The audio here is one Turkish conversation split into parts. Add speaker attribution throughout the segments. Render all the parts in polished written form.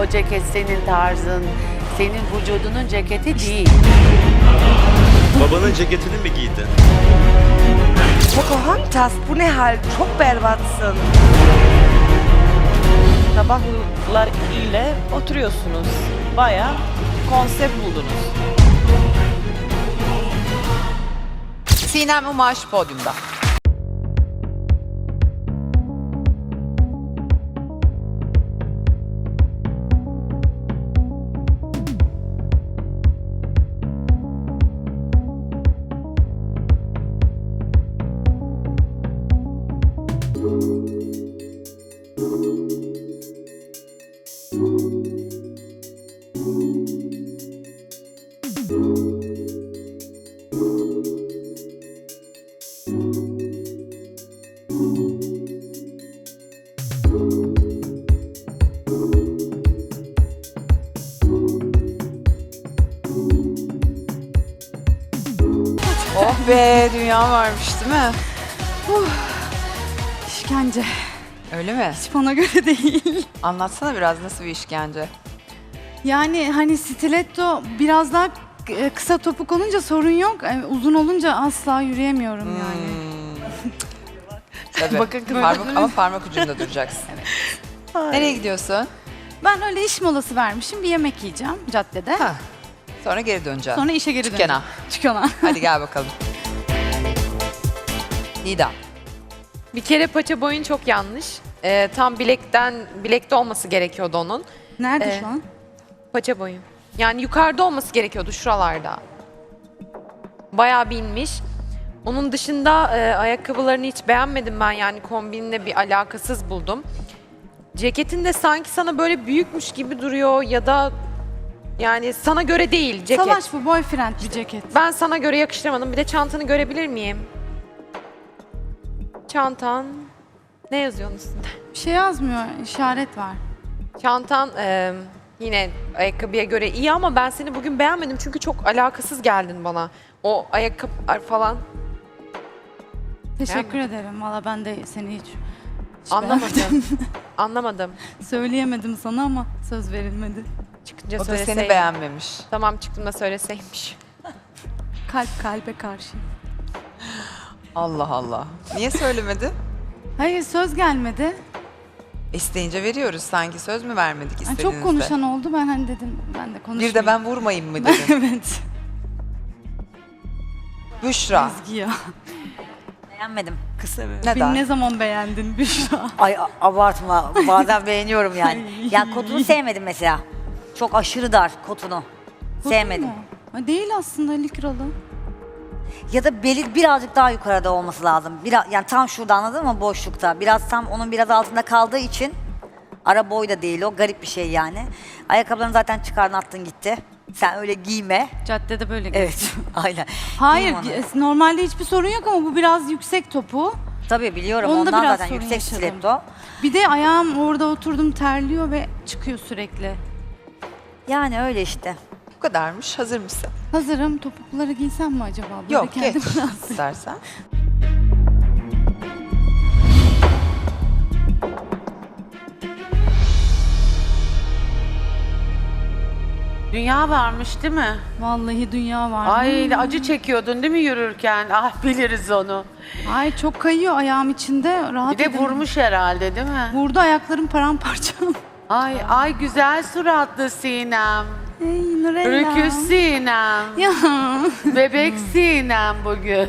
Speaker 1: ceket senin tarzın, senin vücudunun ceketi değil.
Speaker 2: Babanın ceketini mi giydin?
Speaker 3: Pocahontas, bu ne hal? Çok berbatsın.
Speaker 4: Sabahlar ile oturuyorsunuz. Bayağı konsept buldunuz.
Speaker 5: Sinem Umaş podyumda. Oh be, dünya varmış değil mi?
Speaker 6: İşkence.
Speaker 5: Öyle mi?
Speaker 6: Hiç bana göre değil.
Speaker 5: Anlatsana biraz, nasıl bir işkence?
Speaker 6: Yani hani stiletto biraz daha kısa topuk olunca sorun yok. Uzun olunca asla yürüyemiyorum yani.
Speaker 5: Tabii.
Speaker 6: Bakın kız-
Speaker 5: Ama parmak ucunda duracaksın. Nereye gidiyorsun?
Speaker 6: Ben öyle iş molası vermişim. Bir yemek yiyeceğim caddede.
Speaker 5: Ha. Sonra geri döneceğim.
Speaker 6: Sonra işe geri
Speaker 5: Dükkana.
Speaker 6: döneceğim. Dükkana.
Speaker 5: Hadi gel bakalım. Nida.
Speaker 7: Bir kere paça boyun çok yanlış. Tam bilekte olması gerekiyordu onun.
Speaker 6: Nerede şu an?
Speaker 7: Paça boyun. Yani yukarıda olması gerekiyordu şuralarda. Bayağı bir inmiş. Onun dışında ayakkabılarını hiç beğenmedim ben, yani kombinle bir alakasız buldum. Ceketin de sanki sana böyle büyükmüş gibi duruyor ya da yani sana göre değil ceket.
Speaker 6: Savaş bu, boyfriend bir ceket.
Speaker 7: Ben sana göre yakıştıramadım. Bir de çantanı görebilir miyim? Çantan. Ne yazıyorsun üstünde?
Speaker 6: Bir şey yazmıyor, işaret var.
Speaker 7: Çantan yine ayakkabıya göre iyi ama ben seni bugün beğenmedim çünkü çok alakasız geldin bana. O ayakkabılar falan.
Speaker 6: Teşekkür ederim. Valla ben de seni hiç
Speaker 7: Anlamadım. Anlamadım.
Speaker 6: söyleyemedim sana ama söz verilmedi.
Speaker 7: Çıkınca
Speaker 5: O da
Speaker 7: söyleseydim.
Speaker 5: seni beğenmemiş.
Speaker 7: Tamam, çıktığımda söyleseymiş.
Speaker 6: Kalp kalbe karşı.
Speaker 5: Allah Allah. Niye söylemedi?
Speaker 6: Hayır, söz gelmedi.
Speaker 5: İsteyince veriyoruz. Sanki söz mü vermedik
Speaker 6: Yani
Speaker 5: istediğinizde?
Speaker 6: çok konuşan oldu. Ben hani dedim ben de konuşmayayım.
Speaker 5: Bir de ben vurmayayım mı dedim.
Speaker 6: Evet.
Speaker 5: Büşra.
Speaker 6: Ezgi ya.
Speaker 3: Beğenmedim. Kısa bir.
Speaker 6: Beni
Speaker 5: Neden?
Speaker 6: ne zaman beğendin Büşra?
Speaker 3: Ay abartma. Bazen beğeniyorum yani. Ya kotunu sevmedim mesela. Çok aşırı dar kotunu. Sevmedim.
Speaker 6: Mu? Ha, değil aslında, likralı.
Speaker 3: Ya da beli birazcık daha yukarıda olması lazım. Yani tam şurada, anladın mı, boşlukta. Biraz tam onun biraz altında kaldığı için ara boy da değil o. Garip bir şey yani. Ayakkabılarını zaten çıkardın, attın gitti. Sen öyle giyme.
Speaker 6: Caddede böyle
Speaker 3: Evet. Aynen.
Speaker 6: Hayır,
Speaker 3: Giyme onu.
Speaker 6: normalde hiçbir sorun yok ama bu biraz yüksek topu.
Speaker 3: Tabii biliyorum.
Speaker 6: Onda
Speaker 3: Ondan
Speaker 6: biraz
Speaker 3: zaten
Speaker 6: sorun
Speaker 3: yüksek
Speaker 6: yaşadım.
Speaker 3: stiletto.
Speaker 6: Bir de ayağım orada oturdum terliyor ve çıkıyor sürekli.
Speaker 3: Yani öyle işte.
Speaker 5: Bu kadarmış. Hazır mısın?
Speaker 6: Hazırım. Topukları giysem mi acaba? Böyle
Speaker 5: Yok,
Speaker 6: kendim
Speaker 5: geç
Speaker 6: biraz-
Speaker 5: istersen.
Speaker 1: Dünya varmış değil mi?
Speaker 6: Vallahi dünya var.
Speaker 1: Ay acı çekiyordun değil mi yürürken? Ah, biliriz onu.
Speaker 6: Ay çok kayıyor ayağım içinde. Rahat
Speaker 1: Bir de
Speaker 6: edemiyorum.
Speaker 1: vurmuş herhalde değil mi?
Speaker 6: Vurdu, ayaklarım paramparça.
Speaker 1: Ay güzel suratlı Sinem.
Speaker 6: Ey Nurella.
Speaker 1: Rüküş Sinem.
Speaker 6: Ya.
Speaker 1: Bebek Sinem bugün.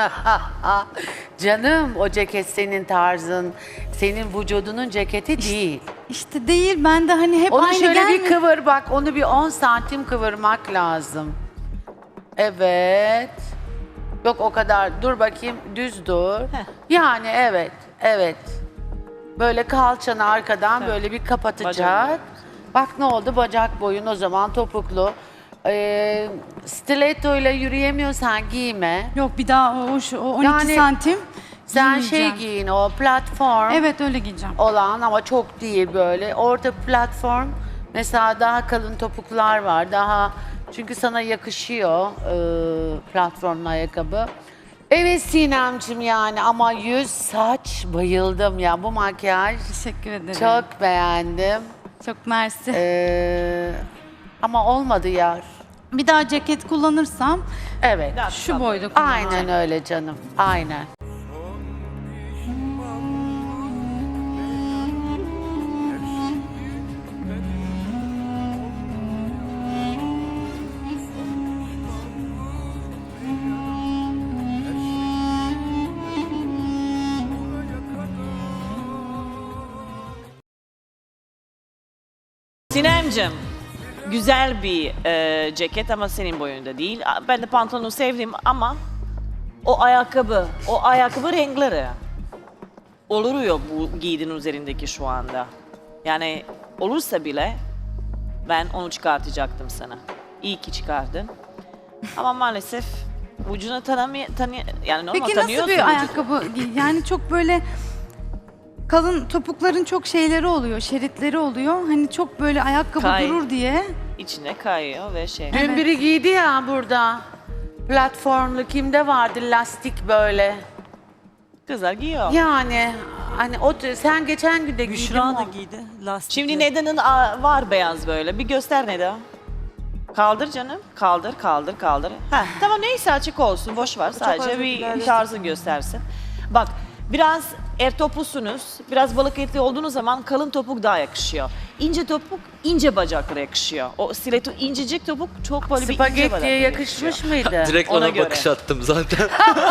Speaker 1: Canım, o ceket senin tarzın, senin vücudunun ceketi değil.
Speaker 6: İşte değil, ben de hani hep
Speaker 1: Onu
Speaker 6: aynı
Speaker 1: şöyle
Speaker 6: gelmiyor.
Speaker 1: bir kıvır bak, onu bir 10 santim kıvırmak lazım. Evet. Yok o kadar, dur bakayım, düz dur. Yani evet. Böyle kalçanı arkadan böyle bir kapatacak. Bak ne oldu, bacak boyun o zaman topuklu. Stiletto ile yürüyemiyorsan giyme.
Speaker 6: Yok, bir daha o 12
Speaker 1: Yani
Speaker 6: santim
Speaker 1: Sen
Speaker 6: giymeyeceğim.
Speaker 1: giyin, o platform
Speaker 6: Evet, öyle giyeceğim.
Speaker 1: olan ama çok değil böyle. Orta platform, mesela daha kalın topuklar var. Çünkü sana yakışıyor platformlu ayakkabı. Evet Sinemcim, yani ama yüz, saç bayıldım ya, bu makyaj
Speaker 6: Teşekkür ederim.
Speaker 1: çok beğendim.
Speaker 6: Çok mersi.
Speaker 1: Ama olmadı yar.
Speaker 6: Bir daha ceket kullanırsam
Speaker 1: Evet.
Speaker 6: şu boyda kullanırım.
Speaker 1: Aynen öyle canım. Aynen.
Speaker 4: Sinemcim, güzel bir ceket ama senin boyunda değil. Ben de pantolonu sevdim ama o ayakkabı renkleri oluyor bu giydiğin üzerindeki şu anda. Yani olursa bile ben onu çıkartacaktım sana. İyi ki çıkardın. Ama maalesef vücudunu yani normal
Speaker 6: Peki
Speaker 4: tanıyorsun
Speaker 6: nasıl bir
Speaker 4: vücudunu.
Speaker 6: ayakkabı? Yani çok böyle kalın topukların çok şeyleri oluyor, şeritleri oluyor. Hani çok böyle ayakkabı
Speaker 4: Kay.
Speaker 6: durur diye.
Speaker 4: İçine kayıyor ve şey.
Speaker 1: Dün biri giydi ya burada. Platformlu kimde vardı lastik böyle.
Speaker 4: Kızlar giyiyor.
Speaker 1: Yani hani sen geçen gün de giydin
Speaker 2: Büşra da
Speaker 1: mi?
Speaker 2: giydi. Lastikli.
Speaker 4: Şimdi Neda'nın var beyaz böyle. Bir göster Neda. Kaldır canım. Kaldır. Heh, tamam neyse açık olsun. Boş ver. Sadece bir tarzı göstersin. Bak biraz toplusunuz. Biraz balık etli olduğunuz zaman kalın topuk daha yakışıyor. İnce topuk ince bacaklara yakışıyor. O stiletto incecik topuk çok böyle bir ince
Speaker 1: Spagettiye
Speaker 4: bacaklara
Speaker 1: yakışmış mıydı?
Speaker 8: Direkt
Speaker 4: Ona
Speaker 8: ona
Speaker 4: göre.
Speaker 8: bakış attım zaten.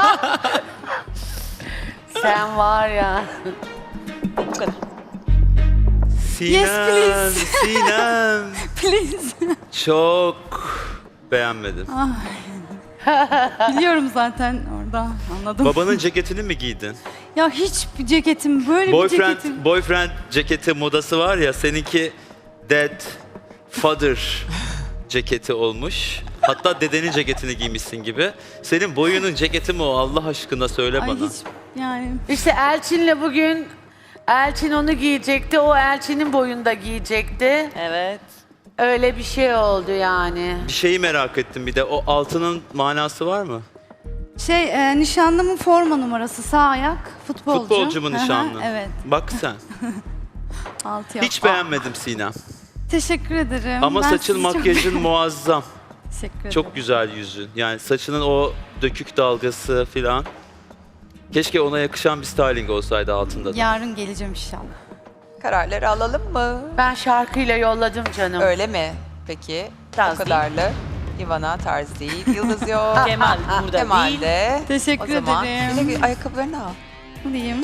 Speaker 1: Sen var ya.
Speaker 4: Bu kadar.
Speaker 6: Yes, please.
Speaker 8: Sinem.
Speaker 6: Please.
Speaker 8: Çok beğenmedim.
Speaker 6: Biliyorum zaten orada. Anladım.
Speaker 8: Babanın ceketini mi giydin?
Speaker 6: Ya hiç bir ceketim, böyle bir ceketim.
Speaker 8: Boyfriend ceketi modası var ya, seninki dad, father ceketi olmuş. Hatta dedenin ceketini giymişsin gibi. Senin boyunun ceketi mi o? Allah aşkına söyle
Speaker 6: Ay
Speaker 8: bana.
Speaker 6: hiç yani
Speaker 1: İşte Elçin'le bugün Elçin onu giyecekti. O Elçin'in boyunda giyecekti.
Speaker 4: Evet.
Speaker 1: Öyle bir şey oldu yani.
Speaker 8: Bir şeyi merak ettim bir de. O altının manası var mı?
Speaker 6: nişanlımın forma numarası sağ ayak futbolcu.
Speaker 8: Futbolcu mu
Speaker 6: Hı hı,
Speaker 8: nişanlı?
Speaker 6: Evet.
Speaker 8: Bak sen.
Speaker 6: Altı yok.
Speaker 8: Hiç beğenmedim Sinem.
Speaker 6: Teşekkür ederim.
Speaker 8: Ama
Speaker 6: Ben
Speaker 8: saçın,
Speaker 6: sizi çok-
Speaker 8: makyajın muazzam.
Speaker 6: Teşekkür ederim.
Speaker 8: Çok güzel yüzün. Yani saçının o dökük dalgası filan. Keşke ona yakışan bir styling olsaydı altında da.
Speaker 6: Yarın geleceğim inşallah.
Speaker 5: Kararları alalım mı?
Speaker 1: Ben şarkıyla yolladım canım.
Speaker 5: Öyle mi? Peki.
Speaker 4: Tarz
Speaker 5: o kadarlı. Ivana tarz değil. Yıldız yok.
Speaker 4: Kemal burada
Speaker 5: Kemal
Speaker 4: değil.
Speaker 5: de.
Speaker 6: Teşekkür
Speaker 5: O zaman
Speaker 6: ederim.
Speaker 5: güle ayakkabılarını al.
Speaker 6: Alayım.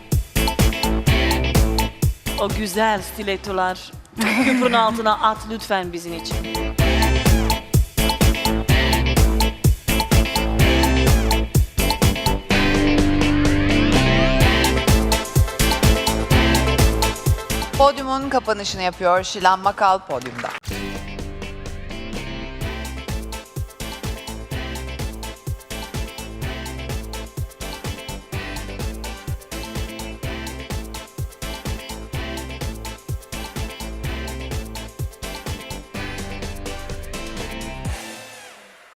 Speaker 4: O güzel stilettolar köprünün altına at lütfen bizim için.
Speaker 5: Podyumun kapanışını yapıyor Şilan Makal podyumda.